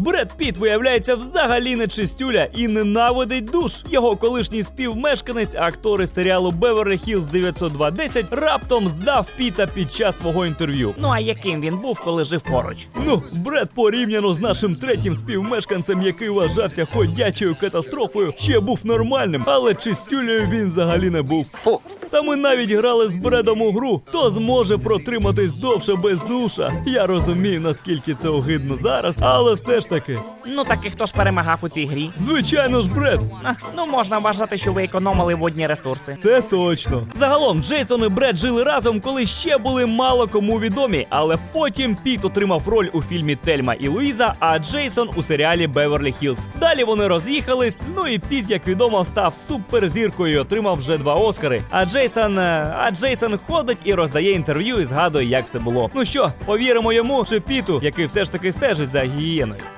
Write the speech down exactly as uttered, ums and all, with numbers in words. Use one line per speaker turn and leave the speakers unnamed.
Бред Піт, виявляється, взагалі не чистюля і ненавидить душ. Його колишній співмешканець, актори серіалу Беверлі Хілз дев'ятсот два десять, раптом здав Піта під час свого інтерв'ю.
Ну а яким він був, коли жив поруч?
Ну, Бред порівняно з нашим третім співмешканцем, який вважався ходячою катастрофою, ще був нормальним, але чистюлею він взагалі не був. Та ми навіть грали з Бредом у гру, хто зможе протриматись довше без душа. Я розумію, наскільки це огидно зараз, але все ж таки.
Ну так і хто ж перемагав у цій грі?
Звичайно ж, Бред.
А, ну можна вважати, що ви економили водні ресурси.
Це точно. Загалом, Джейсон і Бред жили разом, коли ще були мало кому відомі, але потім Піт отримав роль у фільмі «Тельма і Луїза», а Джейсон у серіалі «Беверлі Хілз». Далі вони роз'їхались, ну і Піт, як відомо, став суперзіркою і отримав вже два Оскари. А Джейсон, а Джейсон ходить і роздає інтерв'ю і згадує, як все було. Ну що, повіримо йому чи Піту, який все ж таки стежить за гігієною?